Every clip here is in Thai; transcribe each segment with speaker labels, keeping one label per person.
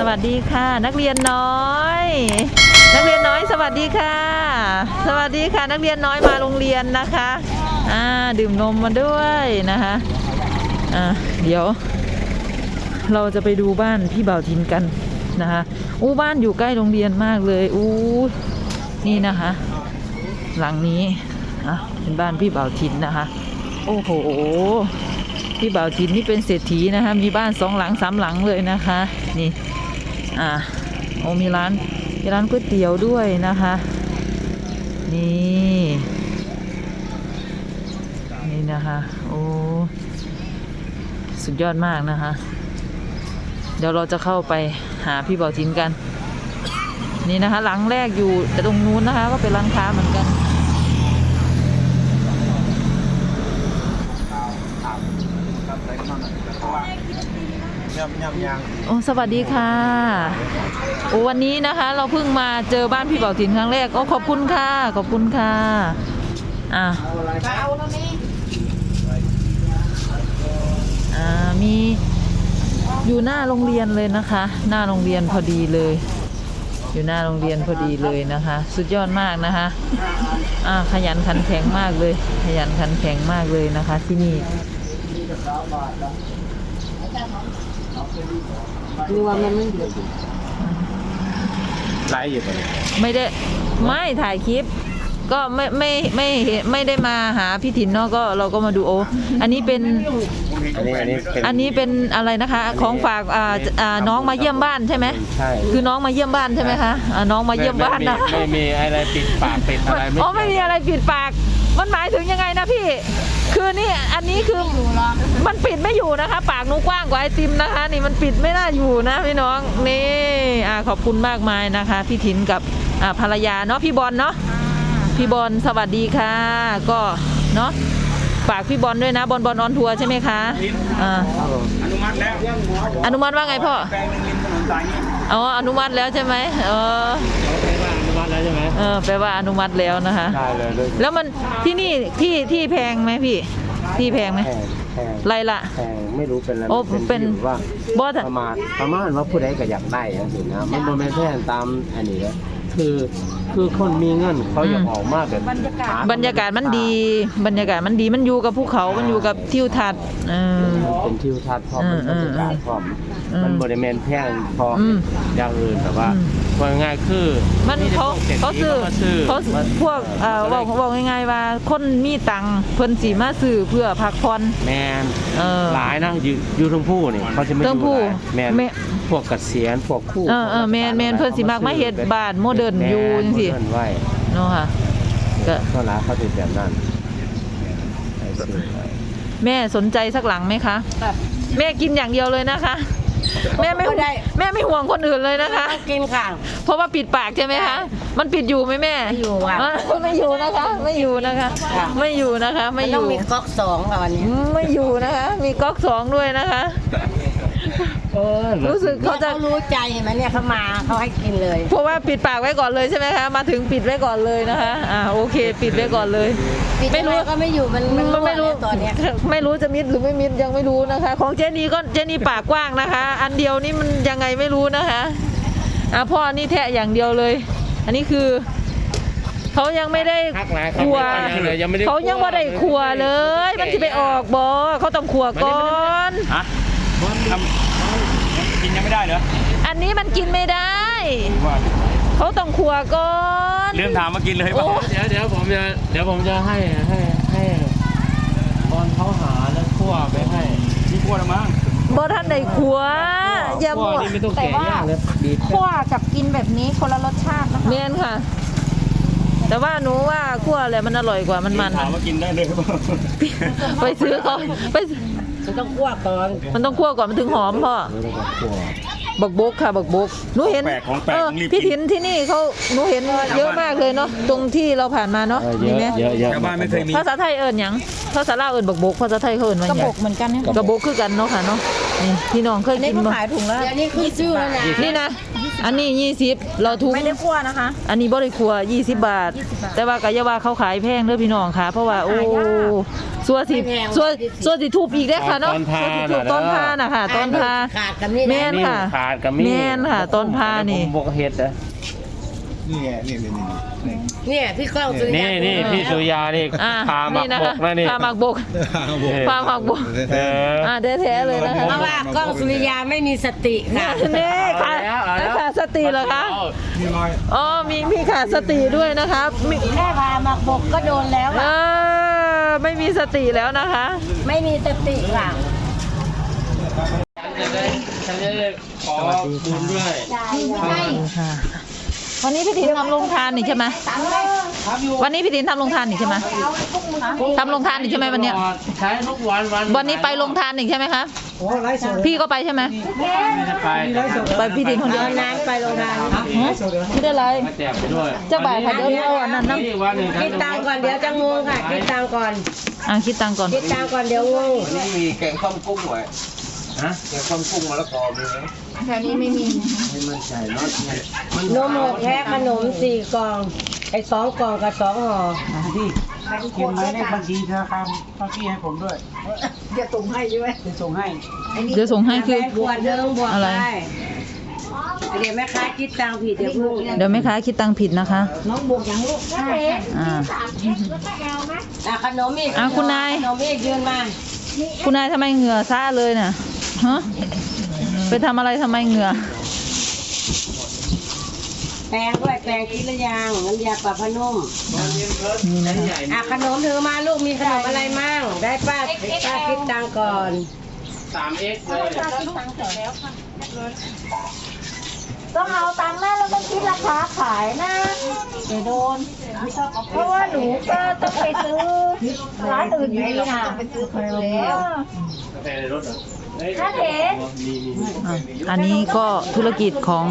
Speaker 1: วัสดีค่ะนักเรียนน้อยนักเรียนน้อยสวัสดีค่ะสวัสดีค่ะนักเรียนน้อยมาโรงเรียนนะคะดื่มนมมาด้วยนะคะเดี๋ยวเราจะไปดูบ้านพี่บ่าวทินกันนะคะบ้านอยู่ใกล้โรงเรียนมากเลยนี่นะคะหลังนี้เป็นบ้านพี่บ่าวทินนะคะโอ้โหพี่บ่าวทินนี่เป็นเศรษฐีนะคะมีบ้าน2 หลัง 3 หลังเลยนะคะนี่มีร้านก๋วยเตี๋ยวด้วยนะคะนี่นะคะสุดยอดมากนะคะเดี๋ยวเราจะเข้าไปหาพี่บ่าวทินกันนี่นะคะหลังแรกอยู่แต่ตรงนู้นนะคะก็เป็นร้านค้าเหมือนกันสวัสดีค่ะวันนี้นะคะเราเพิ่งมาเจอบ้านพี่บ่าวทินครั้งแรกขอบคุณค่ะขอบคุณค่ะมีอยู่หน้าโรงเรียนเลยนะคะหน้าโรงเรียนพอดีเลยอยู่หน้าโรงเรียนพอดีเลยนะคะสุดยอดมากนะคะขยันขันแข็งมากเลยขยันขันแข็งมากเลยนะคะที่นี่
Speaker 2: นี่ว่ามันไม่เดือดไลฟ์อยู่ตอนนี้
Speaker 1: ไม่ถ่ายคลิปก็ไม่ได้มาหาพี่ถิ่นเนาะก็เราก็มาดูอันนี้เป็นอะไรนะคะของฝากน้องมาเยี่ยมบ้านใช่ไหม
Speaker 2: ใช่
Speaker 1: คือน้องมาเยี่ยมบ้านใช่ไหมคะน้องมาเยี่ยมบ้านนะ
Speaker 2: ไม่มีอะไรปิดปากปิดอะไร
Speaker 1: ไม่มีอะไรปิดปากมันหมายถึงยังไงนะพี่คือนี่อันนี้คือมันปิดไม่อยู่นะคะปากหนูกว้างกว่าไอติมนะคะนี่มันปิดไม่น่าอยู่นะพี่น้องนี่ขอบคุณมากมายนะคะพี่ถิ่นกับภรรยาเนาะพี่บอลเนาะพี่บอลสวัสดีค่ะก็เนาะฝากพี่บอลด้วยนะบอลออนทัวร์ใช่ไหมคะ
Speaker 2: อนุมัติแล้ว
Speaker 1: อนุมัติว่าไงพ่ออนุมัติแล้วใช่ไหม
Speaker 2: แปลว่าอนุมัติแล้วใช่ไหม
Speaker 1: แปลว่าอนุมัติแล้วนะคะ
Speaker 2: ได้เลย
Speaker 1: แล้วมันที่นี่ที่แพงไหมพี่ที่แพงไหมไรละ
Speaker 2: แพงไม่รู้เป็นอะไร
Speaker 1: เป็น
Speaker 2: ว่าประมาณว่าผู้ใดก็อยากได้อย่างนี้นะมันไม่แพงตามอันนี้แล้วคือคนมีเงินเขาอยากออกมากแบบ
Speaker 1: บรรยากาศมันดีมันอยู่กับภูเขามันอยู่กับทิวทัศน์
Speaker 2: เป็นทิวทัศน์พร้อมบรรยากาศพร้อมมันบริเวณแพงพออย่างอื่นแต่ว่าง่ายคือ
Speaker 1: มันเขาซื้อพวกบอกง่ายๆว่าคนมีตังเพิ่นสีมาซื้อเพื่อพักผ่อน
Speaker 2: แมนหลายนะอยู่ทั้งผู้นี่เขาจะไม่อยู่แมนพวกเกษียณพวกคู่
Speaker 1: แมนเพิ่นสิมากมาเฮ็ดบ้านโมเดิร์นอยู่จังซี่เนาะค่ะ
Speaker 2: ก็ร้านเขาติดแบบนั้น
Speaker 1: แม่สนใจสักหลังไหมคะแม่กินอย่างเดียวเลยนะคะแม่ไม่ห่วงคนอื่นเลยนะคะ
Speaker 3: กินค่ะ
Speaker 1: เพราะว่าปิดปากใช่ไหมคะมันปิดอยู่ไหมแม่
Speaker 3: ไม่อยู่ค่ะ
Speaker 1: ไม่อยู่นะคะไม่อยู่นะคะ
Speaker 3: ต้องมีก๊อก2ค่ะวันนี้
Speaker 1: ไม่อยู่นะคะมีก๊อก2ด้วยนะคะรู้สึกเขาจะ
Speaker 3: รู้ใจไหมเนี่ยเขามาเขาให้กินเลย
Speaker 1: เพราะว่าปิดปากไว้ก่อนเลยใช่ไหมคะมาถึงปิดไว้ก่อนเลยนะคะโอเคปิดไว้ก่อนเลย
Speaker 3: ไม่รู้ก็ไม่อยู่มันไม่รู้ตอนนี้
Speaker 1: ไม่รู้จะมิดหรือไม่มิดยังไม่รู้นะคะของเจนี่ปากกว้างนะคะอันเดียวนี่มันยังไงไม่รู้นะคะพ่อนี่แทะอย่างเดียวเลยอันนี้คือเขายังไม่ได้ครัวเขายังไม่ได้ครัวเลยมันจะไปออกบ่เขาต้องครัวก่อน
Speaker 2: กินยังไม่ได้เหรอ
Speaker 1: อันนี้มันกินไม่ได้เขาต้องครัวก่อน
Speaker 2: เรื่องถามมากินเลยป่ะเดี๋ยวผมจะให้ตอนเขาหาแล้วคั่วไปให้นี่คั่วแล้วมั้ง
Speaker 1: บ่ท่านใดครัวอย่ามั่ว
Speaker 3: แต่ว่าคั่วกับกินแบบนี้คนละรสชาตินะคะ
Speaker 1: เมนค่ะแต่ว่าหนูว่าคั่วอะไรมันอร่อยกว่ามัน
Speaker 2: ถามว่ากินได้เลย
Speaker 1: ไปซื้อเขาไป
Speaker 3: มันต้องคั่วก่อน
Speaker 1: มันถึงหอมพ่อบักบกค่ะบักบกหนูเห็นพี่ถิ่นที่นี่เขาหนูเห็นเยอะมากเลยเนาะตรงที่เราผ่านมาเนาะ
Speaker 2: มีไหมเยอะ
Speaker 1: ชาวบ้านไม่เคยมีภาษาไทยเอิญยังภาษาลาวเอิญบักบกภาษาไทยเขาเอิญว่า
Speaker 3: กระบกเหมือนกันเนี่ย
Speaker 1: กระบกคือกันเนาะค่ะเนาะนี่พี่น้องเคยกิน
Speaker 3: มาขายถุงแล้วนี่คือชื่อแล้วนะ
Speaker 1: นี่นะอันนี้20เราทุก
Speaker 3: ไม่ได้คั่วนะคะ
Speaker 1: อันนี้บ่ได้คั่ว20 บาทแต่ว่ากะยาว่าเขาขายแพงเด้อพี่น้องค่ะเพราะว่าสัวสิสัวสิทูบอีกได้อค่ะเนาะ
Speaker 2: ต้นพา
Speaker 1: สัวสิทูบต้นพาน่ะค่ะต้นพา
Speaker 3: ขาดกันนี่
Speaker 1: แม่
Speaker 3: นะ
Speaker 1: นค่ะ
Speaker 2: ขาดกับมี
Speaker 1: แม่นค่ะต้นพานี่
Speaker 2: บกเห็ดนะ
Speaker 4: นี่ไงนี่
Speaker 3: เนี่ยพี่ก้องสุริยา
Speaker 2: นี่พี่สุริยานี่
Speaker 1: อ่า
Speaker 2: พาหมักบกนะนี่
Speaker 1: พาหมักบกพาหมักบก
Speaker 2: เออ
Speaker 1: แท้ๆเลยนะคะ
Speaker 3: เพราะว่ากล้องสุริยาไม่มีสติค่ะ
Speaker 1: นี่ค่ะ
Speaker 2: เอาแล้ว
Speaker 1: ขาดสติเหรอคะ
Speaker 4: นี่ลอย
Speaker 1: อ๋อมีขาดสติด้วยนะคะมี
Speaker 3: แค่พาหมักบกก็โดนแล้ว
Speaker 1: เอ
Speaker 3: ค่ะ
Speaker 1: อไม่มีสติแล้วนะคะ
Speaker 3: ไม่มีสติค่ะ
Speaker 2: ฉันจะได้ขอบุญด้วย
Speaker 1: ค่ะวันนี้พี่ถินทำโรงทานนี่ใช่ไหมวันนี้พี่ถินทำโรงทานนี่ใช่ไหมทำโรงทานนี่ใช่ไหมวันเนี้ย
Speaker 2: ใช้ทุกวัน
Speaker 1: วันนี้ไปโรงทานนี่ใช่ไหมคะพี่ก็ไปใช่ไหม
Speaker 2: ไม่ได้ไป
Speaker 1: ไปพี่ถินคนเดียว
Speaker 3: น้ำไปโรงพยาบาล
Speaker 1: ไม่ได้ไร
Speaker 2: มาแจกไปด้วย
Speaker 1: เจ้าบ่ายค่ะเดี๋ยวเอาอันนั้นน้ำ
Speaker 2: นี่วันหนึ่ง
Speaker 3: คิดตังค์ก่อนเดี๋ยวจะงงค่ะคิดตังค์ก่อน
Speaker 1: คิดตังค์ก่อน
Speaker 3: คิดตังค์ก่อนเดี๋ยวงง
Speaker 2: นี่มีแกงข้าวกุ้งไว้ฮะแกงข้าวกุ้งมะละกอมีไหม
Speaker 3: แถวนี้ไม่มี
Speaker 2: ไม่มั่นใจเนาะมัน
Speaker 3: นม6แพ็คขนม4กล่องไอ้2กล่องกับ2ห่อ
Speaker 4: พี่เขียนไว้ในบัญชีธนาคารเมื่อกี้ให้ผมด้วยจะส่งให้ใช่ไหมจะส่งให้
Speaker 1: เดี๋ยวส่งให้คือ
Speaker 3: แบงค์ขวดเดิมบวก
Speaker 1: อะไร
Speaker 3: ได้เดี๋ยวแม่ค้าคิดตังค์ผิดเดี๋ยวเพิ่ง
Speaker 1: เดี๋ยวแม่ค้าคิดตังค์ผิดนะคะ
Speaker 3: น้องบวกอย่างลูกใช่
Speaker 1: อ่า
Speaker 3: ขนมอีก
Speaker 1: คุณนาย
Speaker 3: ขนมอีกยืนมา
Speaker 1: คุณนายทำไมเหงื่อซ่าเลยน่ะฮะไปทำอะไรทำไมเหงื่อ
Speaker 3: แปรงด้วยแปรงคิดหรือยังน้ำยาปรับผ้านุ่ม
Speaker 1: นี่นะคะ
Speaker 3: ขนมถือมาลูกมีขนมอะไรมั่งได้ป้าคิดตังค์ก่อน
Speaker 2: 3x เลย
Speaker 5: ต้องเอาตังค์แม่แล้วต้องคิดราคาขายนะเดี๋ยวโดน เพราะว่าหนูก็ต้องไปซื้อร้านอื่นอยู่ดีนะไปซื้อคนแล้ว
Speaker 2: กาแฟในรถเหรอเฮ้ย
Speaker 5: ถ้าเห็น
Speaker 1: อันนี้ก็ธุรกิจของ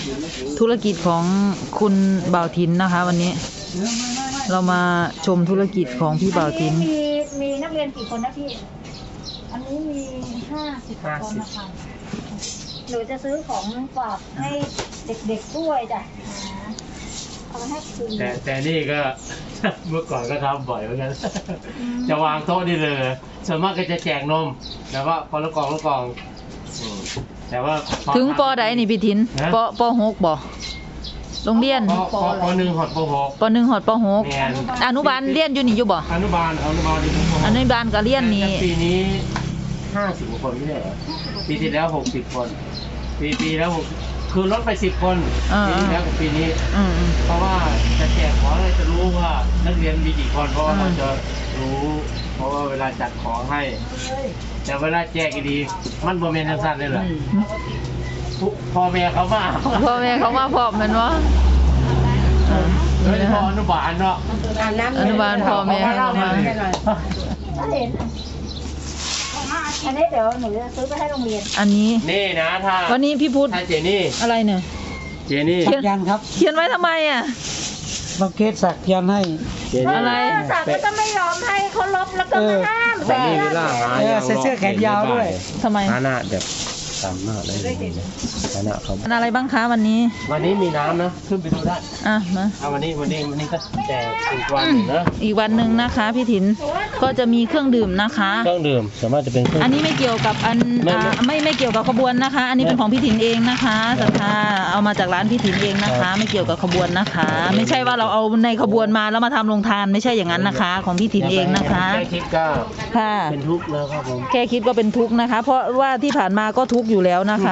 Speaker 1: คุณบ่าวทินนะคะ วันนี้ เรามาชมธุรกิจของพี่บ่าวทิน
Speaker 5: มีนักเรียนกี่คนนะพี่ อันนี้มี50คนนะคะหรือจะซื้อของฝากให้เด็กๆด้วยจ้ะเอาไปให้คืน
Speaker 2: แต่นี่ก็ เมื่อก่อนก็ทำบ่อยเหมือนกัน จะวางโต๊ะนี่เลยส่วนมากก็จะแจกนมแต่ว่าพอละกล่องอืมแต่ว่าพอ
Speaker 1: ถึงปอใดนี่พี่ทิน
Speaker 2: ฮะ
Speaker 1: ปหกบ่โรงเรียน
Speaker 2: ปหนึ่งหอดปหก
Speaker 1: ปหนึ่งหอดปหก
Speaker 2: แม่น
Speaker 1: อนุบาลเรียนอยู่นี่อยู่บ่
Speaker 2: อนุบาลดีปหก
Speaker 1: อนุบาลก็เรียนนี่
Speaker 2: ปีนี้50กว่าคนไม่ใช่เหรอปีที่แล้ว60คนปีแล้วคือลดไป10คนปีที่แล้วกับปีนี้
Speaker 1: อืม
Speaker 2: เพราะว่าจะแจกของเราจะรู้ว่านักเรียนมีกี่คนเพราะว่าเราจะรู้ เพราะว่าเวลาจัดของให้ แต่เวลาแจกอีดีมันโมเมนต์สั้นๆเลยเหรอพ่อแม่เขามา
Speaker 1: พ่อแม่เขามาพร้อมแม่นบ่
Speaker 2: โดยเฉพาะอนุบาลเนาะ
Speaker 1: อนุบาลพ่อแม่เขามา
Speaker 5: ถ้าเห็น อันนี้เดี๋ยวหนูจะซื้อไปให้โรงเรียน
Speaker 1: อันนี้
Speaker 2: นี่นะถ้า
Speaker 1: วันนี้พี่พุทธ
Speaker 2: ถ้าเจนี่
Speaker 1: อะไรเนี่ย
Speaker 4: ยันครับ
Speaker 1: เขียนไว้ทำไมอ่ะ
Speaker 4: บางเคสสักยันให้
Speaker 2: เจนี่
Speaker 1: อะไร
Speaker 5: สักก็จะไม่ยอมให้เขาลบแล้วก็มาห้าม
Speaker 2: แต่นี่เวลาหา
Speaker 4: ใส่เสื้อแขนยาวด้วย
Speaker 1: ทำไม
Speaker 2: หาหน้าแบบตามหน้าเลยหาหน้าเขา
Speaker 1: อันอะไรบ้างคะวันนี้
Speaker 2: วันนี้มีน้ำนะขึ้นไปดูได้
Speaker 1: อ่ะมา
Speaker 2: เอาวันนี้ก็แจกอีกวันหนึ่งนะ
Speaker 1: อีกวันหนึ่งนะคะ พี่ถินก็จะมีเครื่องดื่มนะคะ
Speaker 2: เครื่องดื่มสามารถจะเป็นเครื่อง
Speaker 1: อันนี้ไม่เกี่ยวกับไม่เกี่ยวกับขบวนนะคะ อันนี้เป็นของพี่ถินเองนะคะศรัทธาเอามาจากร้านพี่ถินเองนะคะ ไม่เกี่ยวกับขบวนนะคะ ไม่ใช่ว่าเราเอาในขบวนมาแล้วมาทำโรงทานไม่ใช่อย่างนั้นนะคะ ของพี่ถินเองนะคะ
Speaker 2: แค่คิดก็
Speaker 1: ค่ะ
Speaker 2: เป็นทุกข์แล้วครับผม
Speaker 1: แค่คิดก็เป็นทุกข์นะคะ เพราะว่าที่ผ่านมาก็ทุกข์อยู่แล้วนะคะ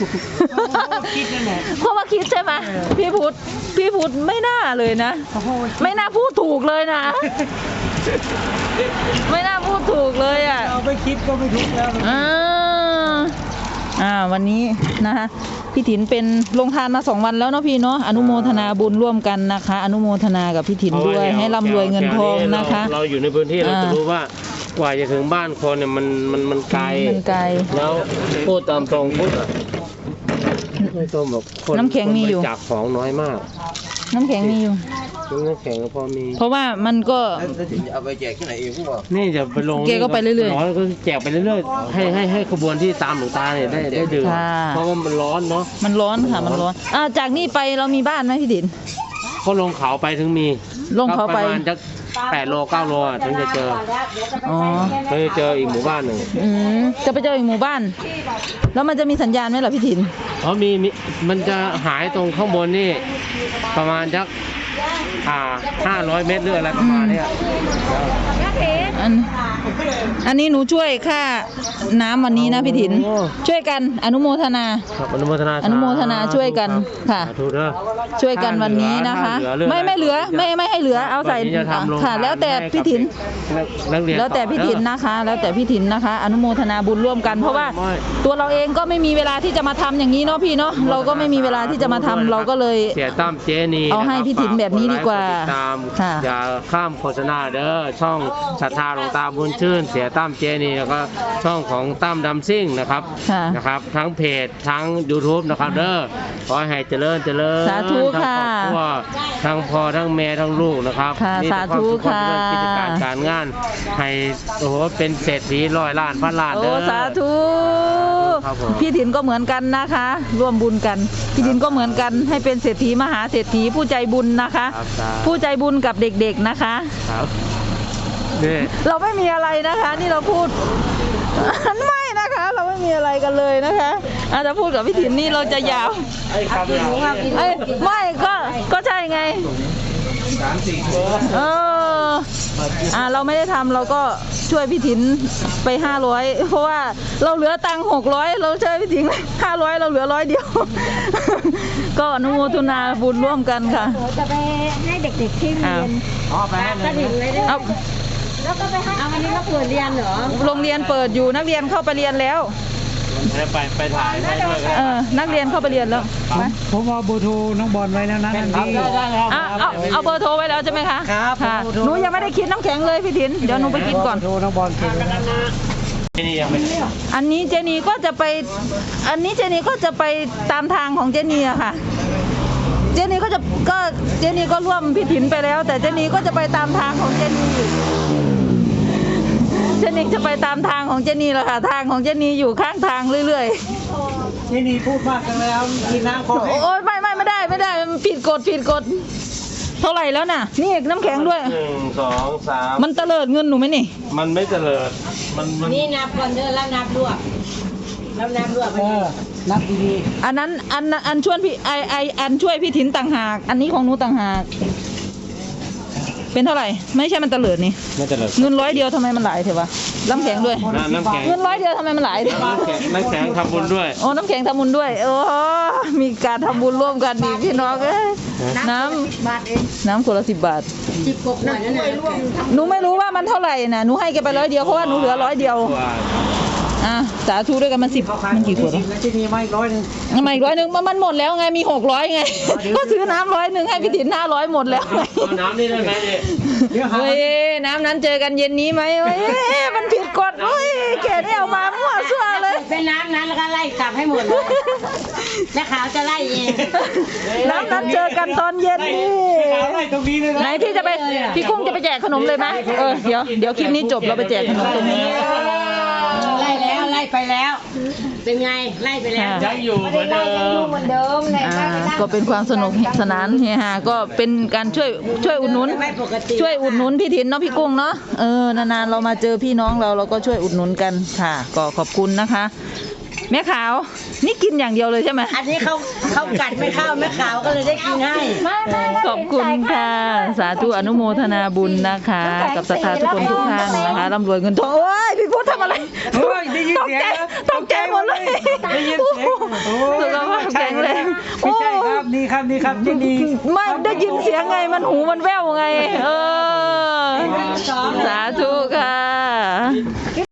Speaker 1: เพราะว่าคิดใช่ไหมพี่พุทธไม่น่าเลยนะ ไม่น่าพูดถูกเลยนะ ไม่น่าพูดถูกเลยอ่ะ
Speaker 4: เอาไปคิดก็ไม่ทุกแล้ว
Speaker 1: วันนี้นะคะพี่ถินเป็นลงทานมา2 วันแล้วเนาะพี่เนาะอนุโมทนาบุญร่วมกันนะคะ อนุโมทนากับพี่ถินด้วยให้ร่ำรวยเงินทองนะคะ
Speaker 2: เราอยู่ในพื้นที่เราจะรู้ว่ากว่าจะถึงบ้านคนเนี่ยมันไกล
Speaker 1: มันไกล
Speaker 2: แล้วพูดตามตรงพูดไม่ต้องแบบคน
Speaker 1: น้ำแข็งมีอยู่
Speaker 2: คนบริจากของน้อยมาก
Speaker 1: น้ำแข็งมีอยู่
Speaker 2: น้ำแข็งก็พอมี
Speaker 1: เพราะว่ามันก็
Speaker 4: เอาไปแจกที่ไหนเองพวก
Speaker 2: นี่จะไปลง
Speaker 1: แกก็ไปเรื่อยๆ
Speaker 2: ร้อนก็แจกไปเรื่อยๆให้ขบวนที่ตามหลวงตาเนี่ยได้ดื่ม
Speaker 1: ค่ะ
Speaker 2: เพราะว่ามันร้อนเนาะ
Speaker 1: มันร้อนค่ะมันร้อนจากนี่ไปเรามีบ้านไหมพี่ถิน
Speaker 2: ก็ลงเขาไปถึงมี
Speaker 1: ลงเขาไป
Speaker 2: ประมาณจะ8 โล 9 โลถึงจะเจอ
Speaker 1: อ๋อ
Speaker 2: ถึงจะเจออีกหมู่บ้านหนึ่ง
Speaker 1: จะไปเจออีกหมู่บ้าน แล้วมันจะมีสัญญาณไหมล่ะพี่ถิน
Speaker 2: เพราะมีมันจะหายตรงข้างบนนี่ประมาณสัก500 เมตรหรืออะไรประมาณเนี้ย
Speaker 1: อันนี้หนูช่วยค่าน้ำวันนี้นะพี่ถิน
Speaker 2: โอ้
Speaker 1: ช่วยกันอนุโมทนา
Speaker 2: ครับอนุโมทนา
Speaker 1: อนุโมทนาช่วยกันค่ะ
Speaker 2: สาธุเด้อ
Speaker 1: ช่วยกันวันนี้นะคะ ไม่เหลือไม่ให้เหลือเอาใส่
Speaker 2: วันนี้จะทำโรงทาน
Speaker 1: ค่ะ แล้วแต่พี่ถิน
Speaker 2: นักเรียน
Speaker 1: แล้วแต่พี่ถินนะคะ แล้วแต่พี่ถินนะคะ อนุโมทนาบุญร่วมกัน เพราะว่าตัวเราเองก็ไม่มีเวลาที่จะมาทำอย่างนี้เนาะพี่เนาะเราก็ไม่มีเวลาที่จะมาทำเราก็เลย
Speaker 2: เสียตั้มเจนี
Speaker 1: เอาให้พี่ถินแบบนี้ดีกว่า
Speaker 2: ฝติดตาม
Speaker 1: ค่ะ
Speaker 2: อย่าข้ามโฆษณาเด้อช่องศรัทธาหลวงตาบุญชื่น เสียตั้มเจนีแล้วก็ช่องของตั้มดำซิ่งนะครับ
Speaker 1: ค่ะ
Speaker 2: นะครับ ทั้งเพจทั้ง YouTube นะครับเด้อขอให้เจริญ
Speaker 1: สาธุ
Speaker 2: ทั้ง
Speaker 1: ค่ะ
Speaker 2: ครอบครัวทั้งพ่อทั้งแม่ทั้งลูกนะครับ
Speaker 1: ค่ะ
Speaker 2: มีแต่
Speaker 1: สาธุ
Speaker 2: ความสุขความเจริญ
Speaker 1: ค่ะ
Speaker 2: กิจการการงานให้โอ้โหเป็นเศรษฐี100 ล้านพันล้าน
Speaker 1: โอ้
Speaker 2: เด้อ
Speaker 1: สาธุ
Speaker 2: ครับผม
Speaker 1: พี่ถินก็เหมือนกันนะคะ ร่วมบุญกัน พี่ถินก็เหมือนกันให้เป็นเศรษฐีมหาเศรษฐีผู้ใจบุญนะคะ
Speaker 2: ครับ
Speaker 1: ผู้ใจบุญกับเด็กๆนะคะ
Speaker 2: ครับนี่
Speaker 1: เราไม่มีอะไรนะคะ นี่เราพูด ไม่นะคะ เราไม่มีอะไรกันเลยนะคะอาจจะพูดกับพี่ถินนี่เราจะยาว
Speaker 2: ไอ้คำเรา
Speaker 1: เอ้ยไม่ก็ใช่ไง
Speaker 2: 3-4 ตัว
Speaker 1: เออเราไม่ได้ทำเราก็ช่วยพี่ถินไป500เพราะว่าเราเหลือตังค์600เราช่วยพี่ถิน500เราเหลือ100เดียว ก็อนุโมทนาบุญร่วมกันค่ะ
Speaker 5: หนูจะไปให้เด็กๆที่เรียน
Speaker 2: อ๋อไปให้
Speaker 3: กระถิ่นเลยด้วย
Speaker 1: เอา
Speaker 5: แล้วก็ไปให้
Speaker 3: เอาวันนี้เราเปิดเรียนเหรอ
Speaker 1: โรงเรียนเปิดอยู่นักเรียนเข้าไปเรียนแล้ว
Speaker 2: ไปถ่ายให้ด้วยกัน
Speaker 1: นักเรียนเข้าไปเรียนแล้วมา
Speaker 4: ผมเอาเบอร์โทรน้องบอลไว้แล้วนะทันที
Speaker 1: เอาเบอร์โทรไว้แล้วใช่ไหมคะ
Speaker 4: ครับ
Speaker 1: ค่ะ
Speaker 4: เบอร์โทร
Speaker 1: หนูยังไม่ได้คิดน้ำแข็งเลยพี่ถินเดี๋ยวหนูไปกินก่อน
Speaker 4: เบร์โทรน้องบอลเก็บไว้นะ
Speaker 2: ที่นี่ยังไม่
Speaker 1: อันนี้เจนีก็จะไปตามทางของเจนีอะค่ะ เจนีก็ร่วมพี่ถินไปแล้ว แต่เจนีก็จะไปตามทางของเจนีอยู่เจนีจะไปตามทางของเจนีแหละค่ะ ทางของเจนีอยู่ข้างทางเรื่อย
Speaker 4: ที่นี่พูดมากกันแล้วกินน้ำคอ
Speaker 1: ๆ
Speaker 4: แห้ง
Speaker 1: โอ๊ยไม่ได้มันผิดกฎเท่าไหร่แล้วน่ะ นี่น้ำแข็งด้วย
Speaker 2: 1 2 3
Speaker 1: มันเตลิดเงินหนูไหมนี่
Speaker 2: มันไม่เจริญมัน
Speaker 3: นี่นับก่อนเด้อแล้วนับรวบแล้วนับรวบไป
Speaker 4: นับดี
Speaker 1: อันนั้นอันช่วยพี่อันช่วยพี่ถินต่างหาก อันนี้ของหนูต่างหาก เป็นเท่าไหร่ ไม่ใช่มันเตลิดนี่
Speaker 2: ไม่เจริญ
Speaker 1: เงิน100เดียวทำไมมันหลายเถอะวะน้ำแข็งด้วย
Speaker 2: น้ำแข็ง
Speaker 1: เงิน100เดียวทำไมมันหลายเถอะ
Speaker 2: น้ำแข็งทำบุญด้วย
Speaker 1: โอ้น้ำแข็งทำบุญด้วยโอ้มีการทำบุญร่วมกันดีพี่น้องเอ้ยน้
Speaker 3: บาทเอง
Speaker 1: ำน้ำคนละ10 บาท
Speaker 3: 10 กว่าขวดนั่นน่ะ
Speaker 1: หนูไม่รู้ว่ามันเท่าไหร่นะหนูให้แกไป100เดียวเพราะว่าหนูเหลือ100เดียวสาธุด้วยกันมัน10มันกี่ขวดวะ
Speaker 4: แล้วที่นี่ไม่100 นึง
Speaker 1: ทำไมอีก100มันหมดแล้วไงมี600ไง ก็ซื้อน้ำ100ให้พี่ถิน500หมดแล้วไง
Speaker 2: เอาน้ำนี่ได้ไหมเนี่ย
Speaker 1: เฮ้ยน้ำนั้นเจอกันเย็นนี้ไหมเฮ้ยมันผิดกฎเฮ้ยเกดเอามามั่วซั่วเลย
Speaker 3: เป็นน้ำนั้นแล้วก็ไล่กลับให้หมดเลยแม่ขาวจะไล่เอง
Speaker 1: น้ำนั้นเจอกันตอนเย็นนี่
Speaker 4: ไล่ตรงนี้เลย
Speaker 1: ไหนพี่จะไปพี่กุ้งจะไปแจกขนมเลยไหมเดี๋ยวคลิปนี้จบเราไปแจกขนมตรงนี้
Speaker 3: ไล่แล้วไล่ไปแล้ว เป็นไงไล่ไปแล้ว
Speaker 2: ยังอยู่เหมือนเดิม
Speaker 5: เหมือนเดิมเลย
Speaker 1: ก็เป็นความสนุกสนานเฮฮาก็เป็นการช่วยอุดหนุน
Speaker 3: ไม่ปกติ
Speaker 1: ช่วยอุดหนุนพี่ถินเนาะพี่กุ้งเนาะนานๆเรามาเจอพี่น้องเราก็ช่วยอุดหนุนกันค่ะ ก็ขอบคุณนะคะ แม่ขาวนี่กินอย่างเดียวเลยใช่ไหม
Speaker 3: อันนี้เขากัดไม่เข้าแม่ขาวก็เลยได้กินให้
Speaker 1: ขอบคุณค่ะ สาธุอนุโมทนาบุญนะคะ กับศรัทธาทุกคนทุกท่านนะคะร่ำรวยเงินทองโอ้ยพี่พุทธทำอะไร
Speaker 4: โอ้ยได้ยินเสียง
Speaker 1: ตกใจหมดเลย
Speaker 4: ได้ยินเสียงโอ้
Speaker 1: สุขภาพแข็งแรง
Speaker 4: ไม่ใช่ครับนี่ครับที่นี่
Speaker 1: ไม่ได้ยินเสียงไงมันหูมันแว่วไง สาธุค่ะ